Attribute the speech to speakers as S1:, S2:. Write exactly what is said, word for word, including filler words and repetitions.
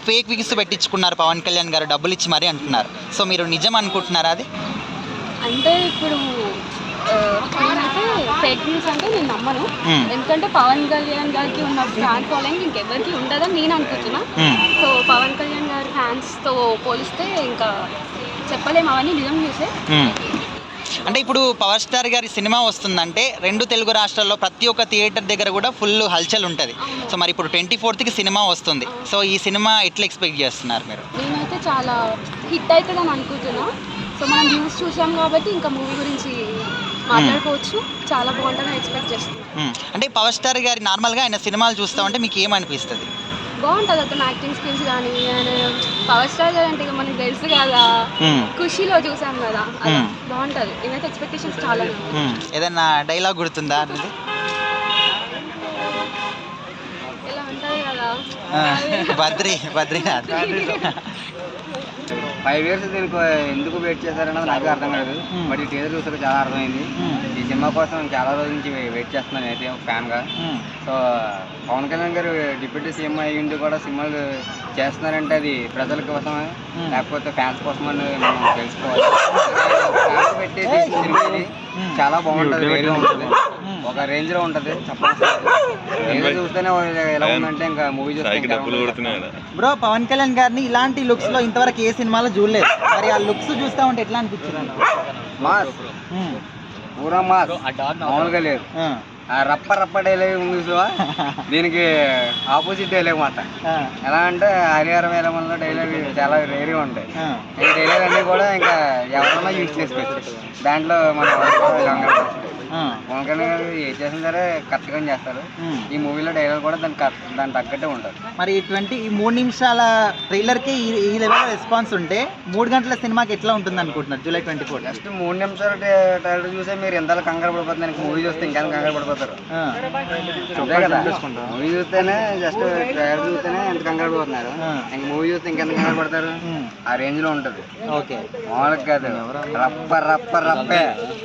S1: Fake wigs పెట్టించుకున్నారు పవన్ కళ్యాణ్ గారు డబ్బులు ఇచ్చి మరీ అంటున్నారు. సో మీరు నిజం అనుకుంటున్నారా అది?
S2: అంటే ఇప్పుడు నేనైతే ఫేక్ న్యూస్ అంటే నేను నమ్మను. ఎందుకంటే పవన్ కళ్యాణ్ గారికి ఉన్న ఫ్యాన్ ఫాలోయింగ్ ఇంకెవరికి ఉండదని నేను అనుకుంటున్నా. సో పవన్ కళ్యాణ్ గారి ఫ్యాన్స్తో పోలిస్తే ఇంకా చెప్పలేము, అవన్నీ నిజం న్యూసే.
S1: అంటే ఇప్పుడు పవర్ స్టార్ గారి సినిమా వస్తుందంటే రెండు తెలుగు రాష్ట్రాల్లో ప్రతి ఒక్క థియేటర్ దగ్గర కూడా ఫుల్ హల్చల్ ఉంటుంది. సో మరి ఇప్పుడు ట్వంటీ ఫోర్త్కి సినిమా వస్తుంది. సో ఈ సినిమా ఎట్లా ఎక్స్పెక్ట్ చేస్తున్నారు మీరు?
S2: నేనైతే చాలా హిట్ అవుతుందని అనుకుంటున్నా. సో మనం న్యూస్ చూసాం కాబట్టి ఇంకా మూవీ గురించి మాట్లాడుకోవచ్చు. చాలా బాగుంటుందని ఎక్స్పెక్ట్ చేస్తున్నాను.
S1: అంటే పవర్ స్టార్ గారి నార్మల్గా ఆయన సినిమాలు చూస్తామంటే మీకు ఏమనిపిస్తుంది?
S2: బాగుంటుంది అతను యాక్టింగ్ స్కిల్స్ కానీ. ఆయన పవర్ స్టార్ గారు అంటే మనకి తెలుసు కదా, ఖుషీలో చూసాం కదా, బాగుంటుంది. నేనైతే ఎక్స్పెక్టేషన్స్ చాలా.
S1: ఏదైనా డైలాగ్ గుర్తుందా అనేది?
S2: ఇలా ఉంటుంది కదా,
S1: బద్రీ బద్రీనాథ్.
S3: ఫైవ్ ఇయర్స్ దీనికి ఎందుకు వెయిట్ చేశారన్నది నాకు అర్థం కాదు. బట్ ఈ టీజర్ చూసాక చాలా అర్థమైంది. ఈ సినిమా కోసం చాలా రోజుల నుంచి వెయిట్ చేస్తున్నాను నేనైతే ఒక ఫ్యాన్గా. సో పవన్ కళ్యాణ్ గారు డిప్యూటీ సీఎం అయ్యిండి కూడా సినిమాలు చేస్తున్నారంటే అది ప్రజల కోసమే లేకపోతే ఫ్యాన్స్ కోసమని మనం తెలుసుకోవాలి. ఫ్యాన్స్ పెట్టి తీసిన సినిమా ఇది చాలా బాగుంటుంది, వేరుగా ఉంటుంది, ఒక రేంజ్ లో ఉంటది. చెప్పాలి చూస్తేనే ఎలా ఉందంటే ఇంకా మూవీ చూస్తే.
S1: బ్రో పవన్ కళ్యాణ్ గారిని ఇలాంటి లుక్స్ లో ఇంతవరకు ఏ సినిమాలో చూడలేదు. మరి ఆ లుక్స్ చూస్తా ఉంటే ఎట్లా అనిపించింది?
S3: మాస్, పూరా మాస్, మామూలుగా లేదు. ఆ రప్ప రప్ప డైలాగ్ ఉంది చూసా, దీనికి ఆపోజిట్ డైలాగ్ మాట. ఎలా అంటే హరిహర వేలమల్లో డైలాగ్ చాలా రేరుగా ఉంటాయి. ఈ డైలాగ్ అన్నీ కూడా ఇంకా ఎవరన్నా యూజ్ చేసుకోవచ్చు. దాంట్లో మన పవన్ కళ్యాణ్ గారు ఏ చేసినా సరే కరెక్ట్గా చేస్తారు. ఈ మూవీలో డైలాగ్ కూడా దానికి దాని తగ్గట్టే ఉంటుంది.
S1: మరి ట్వంటీ ఈ మూడు నిమిషాల ట్రైలర్కి ఈ లెవెల్ రెస్పాన్స్ ఉంటే మూడు గంటల సినిమాకి ఎట్లా ఉంటుంది అనుకుంటున్నారు జూలై ట్వంటీ ఫోర్?
S3: జస్ట్ మూడు నిమిషాల ట్రైలర్ చూసే మీరు ఎంత కంగారు పడిపోతుంది. మూవీ చూస్తే ఇంకా కంగారు పడిపోతారు. అంతే కదా, మూవీ చూస్తేనే జస్ట్ ట్రైలర్ చూస్తేనే ఎంత కంగారు పడిపోతున్నారు. ఇంక మూవీ చూస్తే ఇంకెంత కంగారు పడతారు. ఆ రేంజ్ లో ఉంటుంది.
S1: ఓకే,
S3: మామూలుగా కాదు, రప్ప రప్ప రప్పే.